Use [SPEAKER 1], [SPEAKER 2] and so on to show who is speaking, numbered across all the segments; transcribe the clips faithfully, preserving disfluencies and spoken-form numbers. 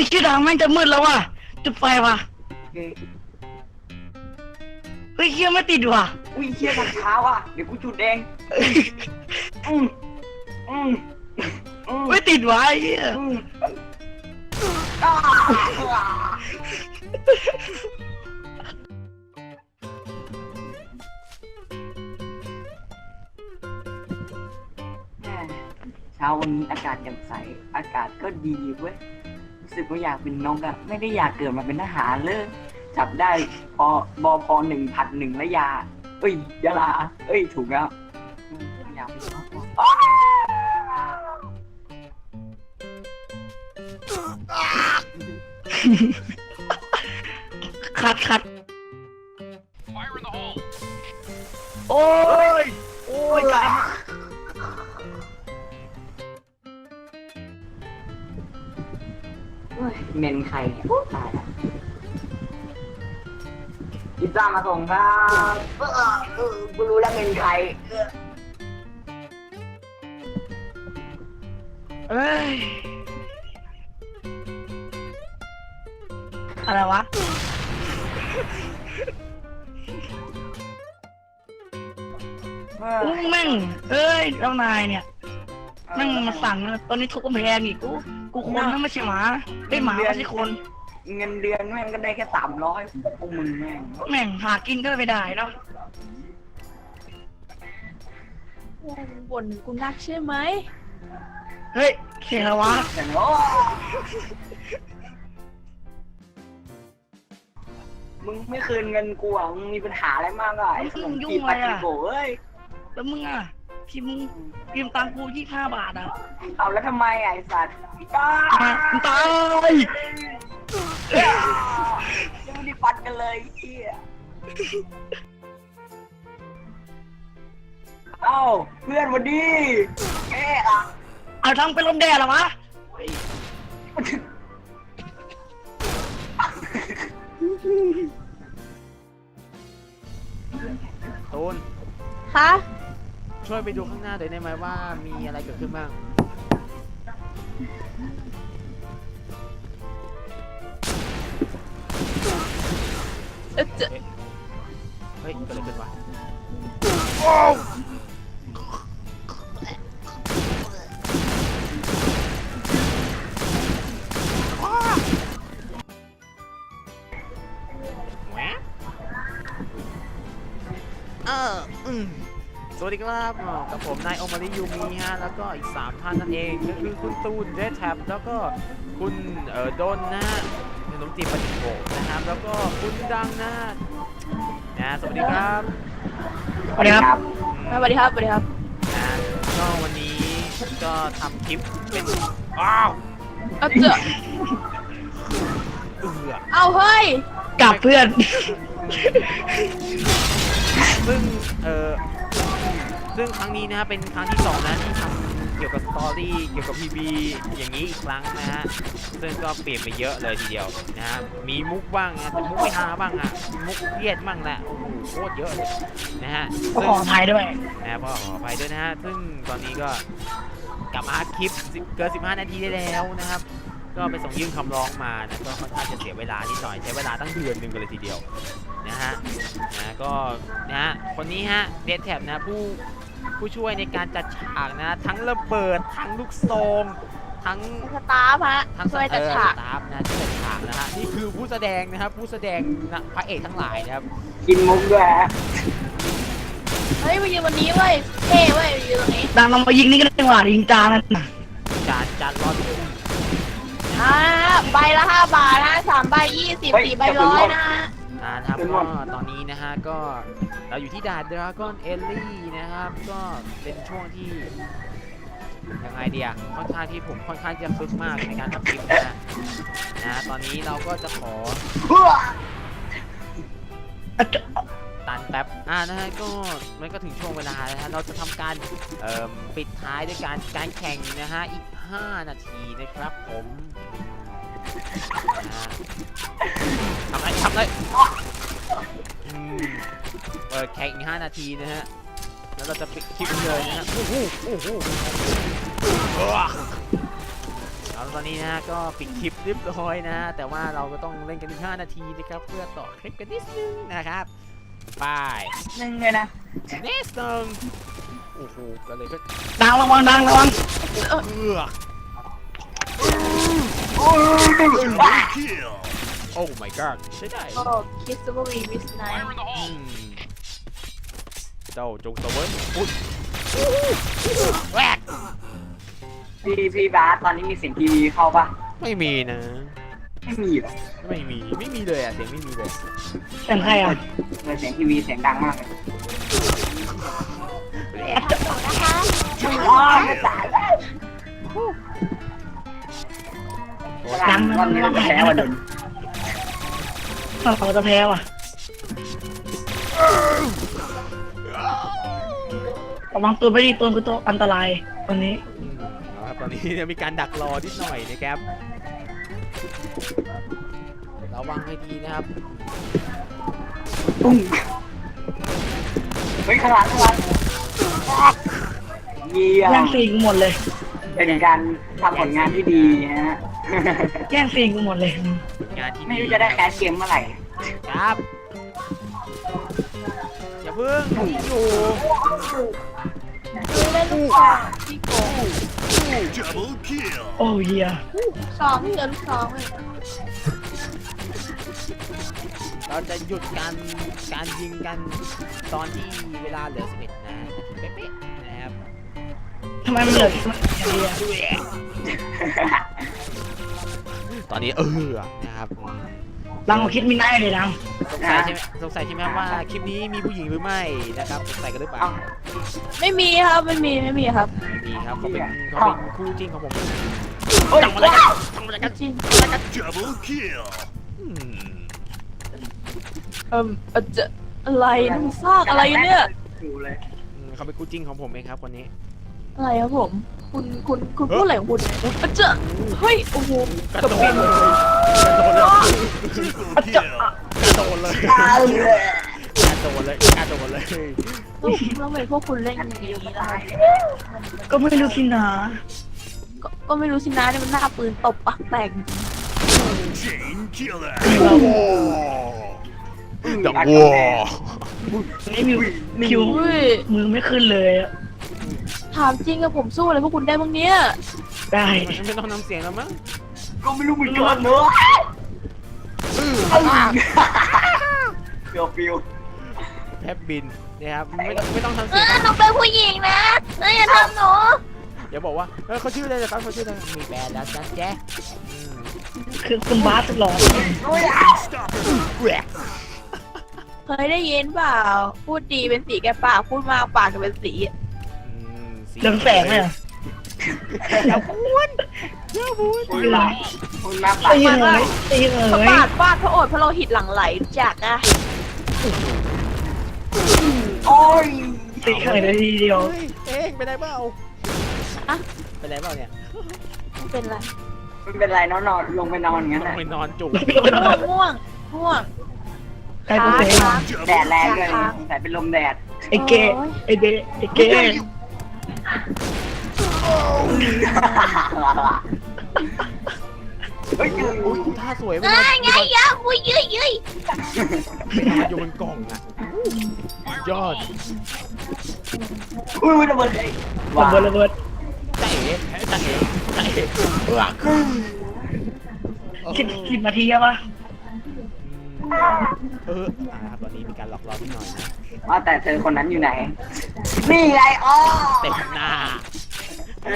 [SPEAKER 1] ชื่อดังแม่งจะมืดแล้วว่ะจุดไฟว่ะเฮ้ยเชี่ยไม่ติดว่ะ
[SPEAKER 2] อุ้ยเชี่ยทางเท้าอ่ะเดี๋ยวกูจุดเองอืมอืม
[SPEAKER 1] ไม่ติดว่ะไอ้เหี้ย
[SPEAKER 2] เช้าวันนี้อากาศแจ่มใสอากาศก็ดีเว้ยรู้สึกว่าอยากเป็นนกอะไม่ได้อยากเกิดมาเป็นทหารเลยจับได้พอบอพอหนึ่งผัดหนึ่งและยาเอ้ยยาลาเอ้ยถูกแล้วอยากเป็นนก
[SPEAKER 1] คัดคัดโอ้ยโอ้ยตาย
[SPEAKER 2] เมนใครเนี่ยตายแล้วพิซซ่ามาส่งครับเออเออกูรู้แล้วเมนใคร
[SPEAKER 1] เอ้ยอะไรวะอู้แม่งเอ้ยเจ้านายเนี่ยแม่งมาสั่งนะตอนนี้ทุกกำแพงอีกกูกูคนนั่นไม่ใช่หมาเป็นหมาไม่ใช่คน
[SPEAKER 2] เงินเดือนแม่งก็ได้แค่สามร้อยพวกมึงแม่ง
[SPEAKER 1] แม่งหากินก็ไม่ได้เนาะ
[SPEAKER 3] บ่นกูนักใช่ไหม
[SPEAKER 1] เฮ้ยเสียแล้ววะ
[SPEAKER 2] มึงไม่คืนเงินกูอ่ะมึงมีปัญหาอะไรมากอ่ะไอ้ขนมจีบปาจิโกเอ้ย
[SPEAKER 1] แล้วมึงอ่ะที่มึงยืมตังกูยี่ห้าบาทอ่ะ
[SPEAKER 2] เอาแล้วทำไมไอ้สัตว์ตาย
[SPEAKER 1] ตาย
[SPEAKER 2] ยังไม่ได้ฟัดกันเลยเฮียเอ้าเพื่อนวันดีแกอ่ะ
[SPEAKER 1] เอาทำเป็นลมแดดเหรอวะ
[SPEAKER 4] ตูน
[SPEAKER 3] คะ
[SPEAKER 4] ช่วยไปดูข้างหน้าหน่อยได้ไหมว่ามีอะไรเกิดขึ้นบ้าง
[SPEAKER 3] เอ๊ะจะ
[SPEAKER 4] เฮ้ยเกิดอะไรขึ้นวะเอออืมสวัสดีครับกับผมนายโอมาริยูมิฮะแล้วก็อีกสามท่านนั่นเองก็คือคุณตูนเรดแท็บแล้วก็คุณเอ่อโดนนะขนมจีบปาจิโกะนะครับแล้วก็คุณดังนะนะสวัสดีครับ
[SPEAKER 1] สวัสดีครับ
[SPEAKER 3] สวัสดีครับสวัสดีครับ
[SPEAKER 4] นะก็วันนี้ก็ทำคลิปเป็นอ้าว
[SPEAKER 3] เอาเจอ
[SPEAKER 4] เอือ
[SPEAKER 3] เอาเฮ้ย
[SPEAKER 1] กลับเพื่อน
[SPEAKER 4] ซึ่งเออซึ่งครั้งนี้นะฮะเป็นครั้งที่สองนะที่ทำเกี่ยวกับสตอรี่เกี่ยวกับพีบีอย่างนี้อีกครั้งนะฮะซึ่งก็เปลี่ยนไปเยอะเลยทีเดียวนะฮะมีมุกบ้างนะแต่มุกไม่ฮาบ้างอ่ะมุกเครียดบ้างแหละโอ้โหโคตรเยอะเลยนะฮะ
[SPEAKER 1] ขออภัยด้วย
[SPEAKER 4] นะขออภัยด้วยนะฮะซึ่งตอนนี้ก็กลับมาคลิปเกินสิบห้านาทีได้แล้วนะครับก็ไปส่งยื่นคำร้องมานะก็ค่อนข้างจะเสียเวลานิดหน่อยใช้เวลาตั้งเดือนหนึ่งกันเลยทีเดียวนะฮะนะก็นะฮะคนนี้ฮะเดดแท็บนะผู้ผู้ช่วยในการจัดฉากนะทั้งระเบิดทั้งลูกซองทั้ง
[SPEAKER 3] สตาฟฮะ
[SPEAKER 4] ทั้ง
[SPEAKER 3] ช่วยจัดฉาก
[SPEAKER 4] สตาฟนะช่วยจัดฉากนะฮะนี่คือผู้แสดงนะครับผู้แสดงนะพระเอกทั้งหลายนะครับ
[SPEAKER 2] กินมุกด้วยฮะ
[SPEAKER 3] เฮ้ยมายืนวันนี้เว้ยเท่เว้ยยืนตรงนี้
[SPEAKER 1] ดังเรามายิงนี่ก็ได้หว่ายิงจานนั่น
[SPEAKER 4] จานจานรอด
[SPEAKER 3] อ่าใบละห้าบาทนะสามใบยี่สิบสี่ใบร้อยนะ
[SPEAKER 4] นะครับก็ตอนนี้นะฮะก็เราอยู่ที่ด่านดราก้อนเอลลี่นะครับก็เป็นช่วงที่ยังไงเดียค่อนข้างที่ผมค่อนข้างจะคึกมากในการทำคลิปนะนะตอนนี้เราก็จะขอตันแป๊บอ่านะฮะก็มันก็ถึงช่วงเวลาแล้วฮะเราจะทำการเอ่อปิดท้ายด้วยการการแข่งนะฮะอีกห้านาทีนะครับผมทำไรทำไรเปิดแข่งอีกห้านาทีนะฮะแล้วเราจะปิดคลิปเลยนะฮะโอ้โหโอ้โหเอาตอนนี้นะก็ปิดคลิปเรียบร้อยนะแต่ว่าเราก็ต้องเล่นกันอีกห้านาทีนะครับเพื่อต่อคลิปกันนิดนึงนะครับไป
[SPEAKER 2] หนึ่งเลยนะ
[SPEAKER 4] เนสหนึ่งโอ้โหก็เลยก็
[SPEAKER 1] ดังระวังดังระวัง
[SPEAKER 4] เออ
[SPEAKER 2] โอ้ยว้า
[SPEAKER 4] โอ้ my god ใช่ได้
[SPEAKER 3] โอ้คิสบูรีวิสไน
[SPEAKER 4] อืมเจ้าจงตะเวนอุ้ยแรก
[SPEAKER 2] พี่พี่บาสตอนนี้มีเสียงทีวีเข้าปะ
[SPEAKER 4] ไม่มีนะ
[SPEAKER 2] ไม่มีหรอ
[SPEAKER 4] ไม่มีไม่มีเลยอ่ะเสียงไม่มีเลย
[SPEAKER 1] เสียงใครอ่ะ
[SPEAKER 2] เลยเสียงทีวีเสียงดังมากเลย
[SPEAKER 3] นะคะ
[SPEAKER 2] อ๋อไม่ตายแล้วดังวันนี้เราแพ้วันนี้
[SPEAKER 1] เราจะแพ้ว่ะระวังตัวไม่ดีตัวคือตัวอันตรายวันนี้
[SPEAKER 4] อืมนะครับตอนนี้เนี่ยมีการดักรอนิดหน่อยนะครับระวังให้ดีนะครับ
[SPEAKER 2] ตุ้งเฮ้ยขนาดขนาดเยี่ย
[SPEAKER 1] แย่
[SPEAKER 2] ม
[SPEAKER 1] งซีนกูหมดเลย
[SPEAKER 2] เป็นการทำผลงานที่ดีฮะ
[SPEAKER 1] แย่งซีนกูหมดเลย
[SPEAKER 4] งานที่
[SPEAKER 2] ไม่รู้จะได้แคสเกมเมื่อไหร่
[SPEAKER 4] ครับอย่าเพิ่งอยู่
[SPEAKER 3] คือเล่นลูกสองที่โกง
[SPEAKER 1] โอ้เฮีย
[SPEAKER 3] สองเจอลูกสองเลย
[SPEAKER 4] เราจะหยุดการการยิงกันตอนที่เวลาเหลือสิบเอ็ดนาทีเป๊ะๆนะครับ
[SPEAKER 1] ทำไมมันเหลือแค่เฮีย
[SPEAKER 4] ตอนนี้เออนะครับ
[SPEAKER 1] ดังกว่าคิดไม่ได้เลยดัง
[SPEAKER 4] สงสัยใช่ไหมสงสัยใช่ไหมว่าคลิปนี้มีผู้หญิงหรือไม่นะครับสงสัยกันหรือเปล่า
[SPEAKER 2] เอ้า
[SPEAKER 3] ไม่มีครับไม่มีไม่มีครับ
[SPEAKER 4] มีครับเขาเป็นเขาเป็นคู่จริงของผม
[SPEAKER 2] โอ้ยว้าว
[SPEAKER 3] จริง
[SPEAKER 4] อืม
[SPEAKER 3] เอิ่มเอ่อจะอะไรน้ำซากอะไรเนี่ย
[SPEAKER 2] อยู่เลย
[SPEAKER 4] อืมเขาเป็นคู่จริงของผมเองครับคนนี้
[SPEAKER 3] อะไรครับผม คุณคุณคุณพูดอะไรของคุณอ่ะเจะเฮ้ยโอ้โห
[SPEAKER 4] กระโดดเลยกระโดดเลยกระโดดเลย
[SPEAKER 2] ตายเลย
[SPEAKER 4] กระโดดเลยกระโดดเลย
[SPEAKER 3] ต้องต้องเป็นพวกคุณเล่นอย่างนี้ได้
[SPEAKER 1] ก็ไม่รู้สินะ
[SPEAKER 3] ก็ก็ไม่รู้สินะเนี่ยมันหน้าปืนตบปากแตก
[SPEAKER 4] ดังวัว
[SPEAKER 1] ไม่มีคิว
[SPEAKER 3] อุ้ย
[SPEAKER 1] มือไม่ขึ้นเลยอะ
[SPEAKER 3] ถามจริงอะผมสู้อะไรพวกคุณได้บ้างเนี่ย
[SPEAKER 1] ได้
[SPEAKER 4] ไม่ต้องนำเสียงแล้วมั้ง
[SPEAKER 2] ก็ไม่รู้เหมือนกันเนอะฟิวฟิว
[SPEAKER 4] แทบบินนะครับไม่ต้องไม่ต้องทำ
[SPEAKER 3] เอ
[SPEAKER 4] เสียง
[SPEAKER 3] อหนูเป็นผู้หญิงนะเอออย่าทำหนู
[SPEAKER 4] อย่าบอกว่าเออเขาชื่ออะไรนะครับเขาชื่ออะไรมีแบรนด์แล้วจันแจ๊อืม
[SPEAKER 1] คือคุณบาสหลอน
[SPEAKER 4] แหวก
[SPEAKER 3] เคยได้ยินเปล่า พูดดีเป็นสีแกปากพูดมากปากจะเป็นสี
[SPEAKER 4] อืมสี
[SPEAKER 1] เรืองแสงเลยเหรอ
[SPEAKER 2] คุณมาคุณมาปั
[SPEAKER 1] ตี
[SPEAKER 2] ด
[SPEAKER 1] เลยตีเล
[SPEAKER 3] พระ
[SPEAKER 1] ย
[SPEAKER 3] บาทฟาดพระโอษฐ์พระโลหิตหลั่งไหลรู้จักอะ
[SPEAKER 2] โอ้ย
[SPEAKER 1] ตีเลยเลยทีเดียว
[SPEAKER 4] เฮ้ยเองเป็นไรเปล่า
[SPEAKER 3] อะ
[SPEAKER 4] เป็นไรเปล่าเนี่ย
[SPEAKER 3] ไม่เป็นไร
[SPEAKER 2] ไม่เป็นไรนอนนอนลงไปนอนงั้น
[SPEAKER 4] ต้อ
[SPEAKER 2] แห
[SPEAKER 4] ง
[SPEAKER 2] ละ
[SPEAKER 4] ไปนอนจุก
[SPEAKER 3] ง่วงง่วงง่วง
[SPEAKER 1] ใครเป็นเซ
[SPEAKER 3] ค้าง
[SPEAKER 2] แดดแรงเลยแต่เป็นลมแดด
[SPEAKER 1] ไอ้เกไอ้เดไอ้เก
[SPEAKER 2] เฮ้ย
[SPEAKER 4] อุ้ยท่าสวยไป
[SPEAKER 3] ไง
[SPEAKER 4] เลย
[SPEAKER 3] ไงยะอุ้ยยืยยืย
[SPEAKER 4] มันอยู่บนกล่องอ่ะยอด
[SPEAKER 2] อุ้ยระเบิดเลย
[SPEAKER 1] ระเบิดระเบิด
[SPEAKER 4] ใจเอ๋ใจเอ๋ใจเอ๋เออ
[SPEAKER 1] สิบสิบนาทีอะปะ
[SPEAKER 4] เอออ่าตอนนี้มีการหลอกล่อนิดหน่อยนะ
[SPEAKER 2] ว่าแต่เธอคนนั้นอยู่ไหน นี่ไงอ๋อ
[SPEAKER 4] เต็มหน้าอื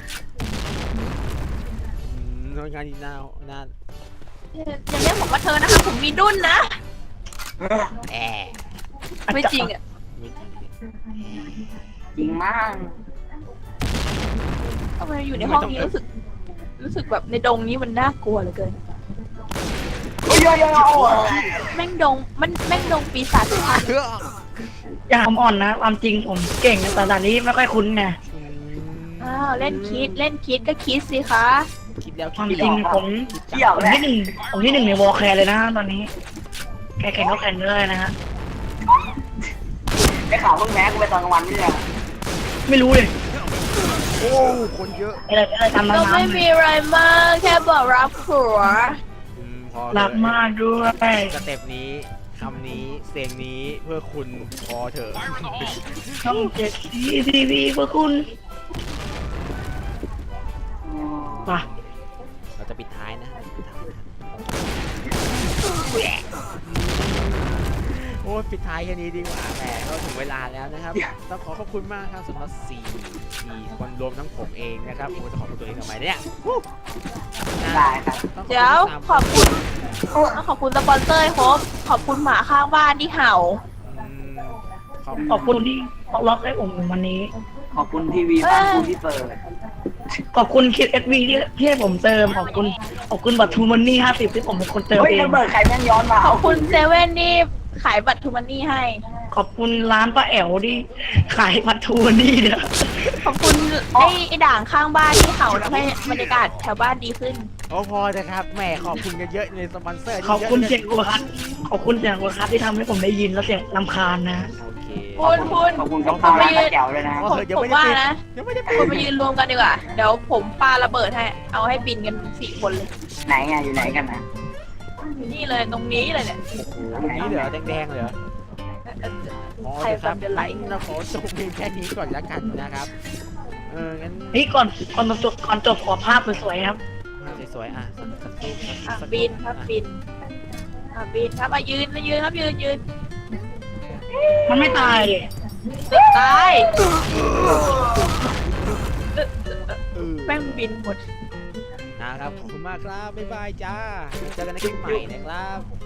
[SPEAKER 4] มโดนงานอีกหน้าหน้า
[SPEAKER 3] อย่าเรียกผมว่าเธอนะคะผมมีดุ้นนะ
[SPEAKER 4] แอ
[SPEAKER 3] ไม่จริงอะ
[SPEAKER 4] ไม่จริงดิ
[SPEAKER 2] จริงมาก
[SPEAKER 3] ทำไมอยู่ในห้องนี้รู้สึก รู้สึกแบบในดงนี้มันน่ากลัวเหลือเกิน
[SPEAKER 2] โอ้ยโอ้ยโอ้ย
[SPEAKER 3] แม่งดงมันแม่งดงปีศาจทุกท่าน
[SPEAKER 1] อย่าทำอ่อนนะความจริงผมเก่งแต่ด่านนี้ไม่ค่อยคุ้นไง
[SPEAKER 4] อืม
[SPEAKER 3] อ้าวเล่นคิดเล่นคิดก็คิดสิคะ
[SPEAKER 4] คิดแล้ว
[SPEAKER 1] ความ
[SPEAKER 4] คิด
[SPEAKER 1] จริง
[SPEAKER 4] อีก
[SPEAKER 1] ผม
[SPEAKER 2] เกี่ยว
[SPEAKER 1] ผม
[SPEAKER 2] แหละ
[SPEAKER 1] ที่หนึ่งผมที่หนึ่งในวอลแคร์เลยนะตอนนี้แกแข่งก็แข่งเลยนะฮะ
[SPEAKER 2] ได้ข่าวเพิ่งแพ้กูไปตอนกลางวันนี่แหละ
[SPEAKER 1] ไม่รู้เลย
[SPEAKER 4] โอ้คนเยอะ
[SPEAKER 1] อะไรอะไรทำ
[SPEAKER 3] ก็
[SPEAKER 1] น้ำ
[SPEAKER 3] ไม่
[SPEAKER 1] น้ำ
[SPEAKER 3] มีอะไรมากแค่บอกรักผัว
[SPEAKER 4] อืมพอ
[SPEAKER 1] รักมากด้วย
[SPEAKER 4] สเต็ปนี้คำนี้เสียงนี้เพื่อคุณพอเถอะ
[SPEAKER 1] ช่องเจ็ดซีทีวีเพื่อคุณมา
[SPEAKER 4] เราจะปิดท้ายนะปิดท้ายนะโอ้ยปิดท้ายแค่นี้ดีกว่าแหมก็ถึงเวลาแล้วนะครับ ต้องขอขอบคุณมากครับสำหรับสี่สี่คนรวมทั้งผมเองนะครับผมจะขอบคุณตัวเองทำไมเนี่ยวู้นะ
[SPEAKER 2] ได้ครับ
[SPEAKER 4] ต้องขอบคุณ
[SPEAKER 3] เดี๋ยว
[SPEAKER 4] สาม
[SPEAKER 3] ขอบคุณขอบคุณสปอนเซอร์ครบขอบคุณหมาข้างบ้านที่เห่า
[SPEAKER 4] อืมขอบ
[SPEAKER 1] ขอบคุณที่ล็อกให้ผมวันนี้
[SPEAKER 2] ขอบคุณทีวีบ้านคุณที่เปิด
[SPEAKER 1] ขอบคุณคิดเอสวีที่ที่ให้ผมเติม ขอบคุณขอบคุณบัตรทูมันนี่ห้าสิบที่ผมเป็นคนเติม
[SPEAKER 2] เฮ้ย
[SPEAKER 1] เอง
[SPEAKER 2] ระเบิดใครแม่งย้อนมา
[SPEAKER 3] ขอบคุณเซเว่นที่ขายบัตรทูมันนี่ให้
[SPEAKER 1] ขอบคุณร้านป้าแอ๋วที่ขายบัตรทูมันนี่เนี่ย
[SPEAKER 3] ขอบคุณไอ้ไอ้ด่างข้างบ้านที่เห่าทำให้บรรยากาศแถวบ้านดีขึ้น
[SPEAKER 4] โอ้พอนะครับแหมขอบคุณกันเยอะในสปอนเซอร์
[SPEAKER 1] ขอบคุณ
[SPEAKER 4] เย
[SPEAKER 1] เสีย
[SPEAKER 4] อะ
[SPEAKER 1] งกูคัดขอบคุณเสียงกูคัดที่ทำให้ผมได้ยินแล้วเสียงลำคาญนะ
[SPEAKER 4] โอเค
[SPEAKER 3] คุณคุณ
[SPEAKER 2] ขอบคุณกับข้าวร้านป้าแจ๋วเลยนะ
[SPEAKER 4] โอ้
[SPEAKER 3] ผม
[SPEAKER 4] เดี๋ยว
[SPEAKER 3] ผ
[SPEAKER 4] ไม่
[SPEAKER 3] ม
[SPEAKER 4] ได้
[SPEAKER 3] ว่า
[SPEAKER 4] ปิด
[SPEAKER 3] นะ
[SPEAKER 4] ยังไม่ได้
[SPEAKER 3] คุณมายืนรวมกันดีกว่า เดี๋ยวผมปาระเบิดให้ เอาให้บินกันสี่คนเลย
[SPEAKER 2] ไหนไงอยู่ไหนกันนะ
[SPEAKER 3] อยู่นี่เลยตรงนี้เลยเนี่ย
[SPEAKER 4] โอ้โหตรงนี้เหรอแดงๆเหรออ๋อ
[SPEAKER 3] ใคร
[SPEAKER 4] เดี๋ยวค
[SPEAKER 3] ฟั
[SPEAKER 4] รั
[SPEAKER 3] ง
[SPEAKER 4] บ
[SPEAKER 3] เดือดไหล
[SPEAKER 4] งั้นเราขอจบเพียงแค่นี้ก่อนละกันนะครับเอองั้น
[SPEAKER 1] นี่ก่อนก่อนจบก่อนจบขอภาพสวยๆครับ
[SPEAKER 4] สวยๆอ่ะสักสักรูปสัก
[SPEAKER 3] อ่ะ
[SPEAKER 4] สัก
[SPEAKER 3] บินครับบินอ่ะบินครับอ่ะยืนนะยืนครับยืนยืน
[SPEAKER 1] มันไม่ตายเลย
[SPEAKER 3] ตาย
[SPEAKER 4] เออ
[SPEAKER 3] แม่งบินหมด
[SPEAKER 4] นะครับขอบคุณมากครับบ๊ายบายจ้าเจอกันในคลิปใหม่นะครับ